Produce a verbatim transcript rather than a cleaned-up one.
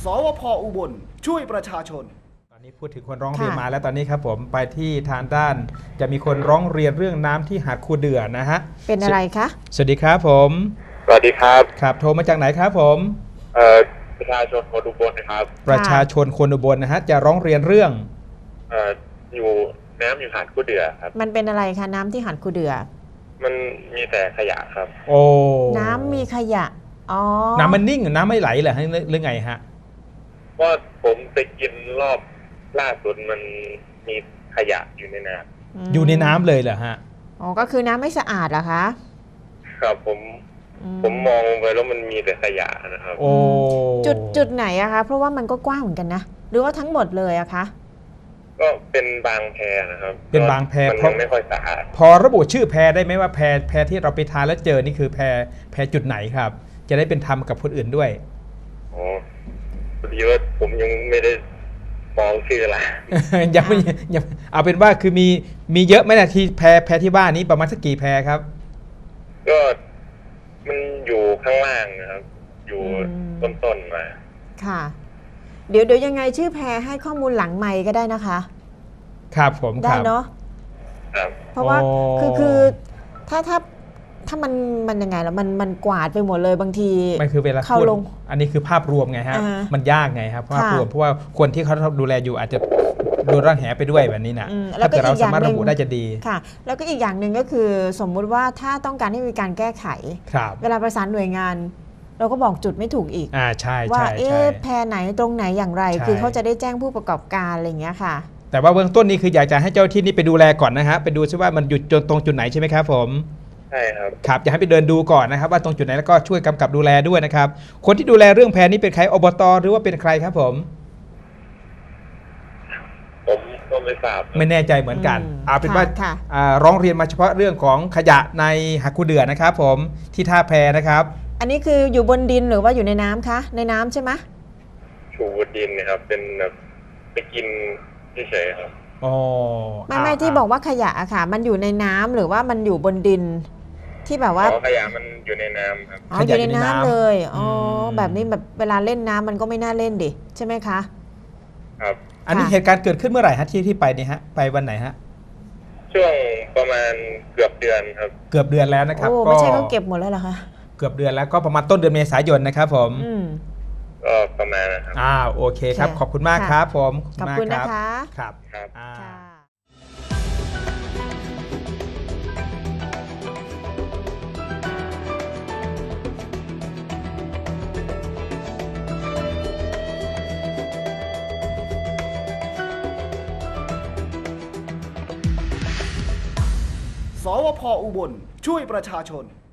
สวพ.อุบลช่วยประชาชนตอนนี้พูดถึงคนร้องเรียนมาแล้วตอนนี้ครับผมไปที่ทางด้านจะมีคนร้องเรียนเรื่องน้ำที่หาดคูเดือนะฮะเป็นอะไรคะสวัสดีครับผมสวัสดีครับครับโทรมาจากไหนครับผมเอ่อประชาชนคนอุบลนะครับประชาชนคนอุบลนะฮะจะร้องเรียนเรื่องเอ่ออยู่น้ำอยู่หาดคูเดือครับมันเป็นอะไรคะน้ำที่หาดคูเดือมันมีแต่ขยะครับโอ้น้ำมีขยะอ๋อน้ำมันนิ่งน้ำไม่ไหลเหรอฮะหรือไงฮะว่าผมไปกินรอบล่าสุดมันมีขยะอยู่ในน้ำอยู่ในน้ำเลยเหรอฮะอ๋อก็คือน้ำไม่สะอาดเหรอคะครับผมผมมองไปแล้วมันมีแต่ขยะนะครับโอ้จุดจุดไหนอะคะเพราะว่ามันก็กว้างเหมือนกันนะหรือว่าทั้งหมดเลยอะคะก็เป็นบางแพนะครับเป็นบางแพมันยังไม่ค่อยสะอาดพอระบุชื่อแพได้ไหมว่าแพแพที่เราไปทานแล้วเจอนี่คือแพแพจุดไหนครับจะได้เป็นธรรมกับคนอื่นด้วยอ๋อพอดีว่าผมยังไม่ได้มองชื่ออะไรยังไม่ยังเอาเป็นว่าคือมีมีเยอะไหมนะที่แพแพที่บ้านนี้ประมาณสักกี่แพครับก็มันอยู่ข้างล่างนะครับอยู่ต้นๆมาค่ะเดี๋ยวเดี๋ยวยังไงชื่อแพให้ข้อมูลหลังไมค์ก็ได้นะคะครับผมได้เนาะเพราะว่าคือคือถ้าถ้าถ้ามันมันยังไงแล้วมันมันกวาดไปหมดเลยบางทีไม่คือเวลาเข้าลงอันนี้คือภาพรวมไงฮะมันยากไงครับภาพรวมเพราะว่าคนที่เขาดูแลอยู่อาจจะโดนร่างแหไปด้วยแบบนี้นะถ้าเกิดเราสามารถระบุได้จะดีค่ะแล้วก็อีกอย่างหนึ่งก็คือสมมุติว่าถ้าต้องการให้มีการแก้ไขเวลาประสานหน่วยงานเราก็บอกจุดไม่ถูกอีกอ่าใช่ว่าเอ๊ะแพรไหนตรงไหนอย่างไรคือเขาจะได้แจ้งผู้ประกอบการอะไรอย่างเงี้ยค่ะแต่ว่าเบื้องต้นนี้คืออยากจะให้เจ้าที่นี่ไปดูแลก่อนนะฮะไปดูซิว่ามันอยู่ตรงจุดไหนใช่ไหมครับผมใช่ครับครับอยากให้ไปเดินดูก่อนนะครับว่าตรงจุดไหนแล้วก็ช่วยกำกับดูแลด้วยนะครับคนที่ดูแลเรื่องแพรนี้เป็นใครอบต.หรือว่าเป็นใครครับผมผมก็ไม่ทราบไม่แน่ใจเหมือนกันเอาเป็นว่าร้องเรียนมาเฉพาะเรื่องของขยะในหาดคูเดือนะครับผมที่ท่าแพนะครับอันนี้คืออยู่บนดินหรือว่าอยู่ในน้ำคะในน้ำใช่ไหมอยู่บนดินนะครับเป็นแบบไปกินเฉยๆครับอ๋อไม่ไม่ที่บอกว่าขยะอะค่ะมันอยู่ในน้ำหรือว่ามันอยู่บนดินที่แบบว่าขยะมันอยู่ในน้ำครับอ๋ออยู่ในน้ำเลยอ๋อแบบนี้แบบเวลาเล่นน้ำมันก็ไม่น่าเล่นดิใช่ไหมคะครับอันนี้เหตุการณ์เกิดขึ้นเมื่อไหร่ฮะที่ที่ไปเนี่ยฮะไปวันไหนฮะช่วงประมาณเกือบเดือนครับเกือบเดือนแล้วนะครับโอ้ไม่ใช่เขาเก็บหมดแล้วเหรอคะเกือบเดือนแล้วก็ประมาณต้นเดือนเมษายนนะครับผมก็ประมาณนะครับอ่าโอเคครับขอบคุณมากครับผมขอบคุณนะคะครับครับสวพ.อุบลช่วยประชาชน